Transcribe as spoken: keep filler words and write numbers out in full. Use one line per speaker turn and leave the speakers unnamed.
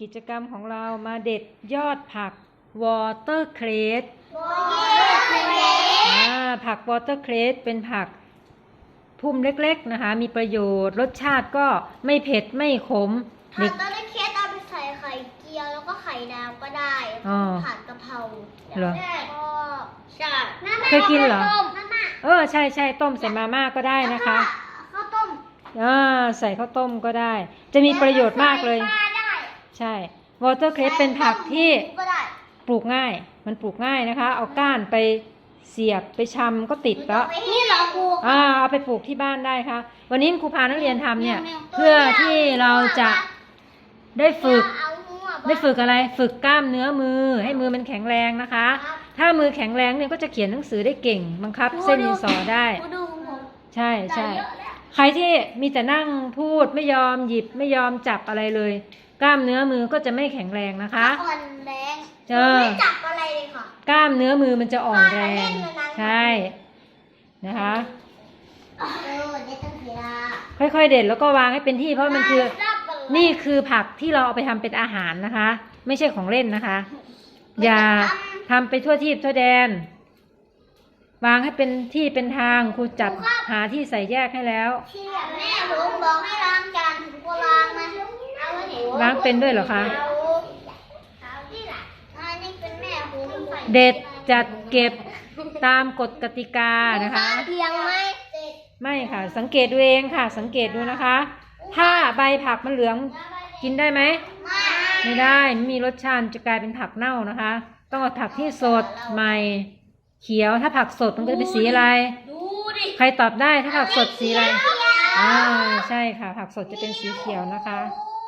กิจกรรมของเรามาเด็ดยอดผักวอเตอร์เครสผักวอเตอร์เครสเป็นผักพุ่มเล็กๆนะคะมีประโยชน์รสชาติก็ไม่เผ็ดไม่ขม
ผัดวอเตอร์เครสเอาไปใส่ไข่เจียวแล้วก็ไข่ดาวก็ได้ผัดกะเพรา
เหรอ
ก็ใช่
เคยกินเหรอเออใช่ใช่ต้มใส่มาม่าก็ได้นะคะ
ข้าวต้ม
อ่าใส่ข้าวต้มก็ได้จะมีประโยชน์มากเลยใช่วอเตอร์เครสเป็นผักที่ปลูกง่ายมันปลูกง่ายนะคะเอาก้านไปเสียบไปชำก็ติดแล้ว
นี่เหรอครู
อ่าเอาไปปลูกที่บ้านได้ค่ะวันนี้ครูพานักเรียนทำเนี่ยเพื่อที่เราจะได้ฝึกได้ฝึกอะไรฝึกกล้ามเนื้อมือให้มือมันแข็งแรงนะคะถ้ามือแข็งแรงเนี่ยก็จะเขียนหนังสือได้เก่งบังคับเส้นดินสอได้ใช่ใช่ใครที่มีแต่นั่งพูดไม่ยอมหยิบไม่ยอมจับอะไรเลยกล้ามเนื้อมือก็จะไม่แข็งแรงนะคะ
อ่อนแรง
ไม่
จับอะไรเลยค่ะ
กล้ามเนื้อมือมันจะอ่อนแรงใช่นะคะค่อยๆเด็ดแล้วก็วางให้เป็นที่เพราะมันคือนี่คือผักที่เราเอาไปทำเป็นอาหารนะคะไม่ใช่ของเล่นนะคะอย่าทำไปทั่วทิศทั่วแดนวางให้เป็นที่เป็นทางครูจัดหาที่ใส่แยกให้แล้ว
แม่ผมบอกให้ล้างจานผมก็ล้างนะ
ล้างเป็นด้วยเหรอคะเด็ดจัดเก็บตามกฎกติกานะคะ
เพียงไม่
ไม่ค่ะสังเกตดูเองค่ะสังเกตดูนะคะถ้าใบผักมันเหลืองกินได้ไหมไม่ได้ไม่มีรสชาติจะกลายเป็นผักเน่านะคะต้องเอาผักที่สดใหม่เขียวถ้าผักสดมันก็จะเป็นสีอะไรใครตอบได้ถ้าผักสดสีอะไรอ่าใช่ค่ะผักสดจะเป็นสีเขียวนะคะ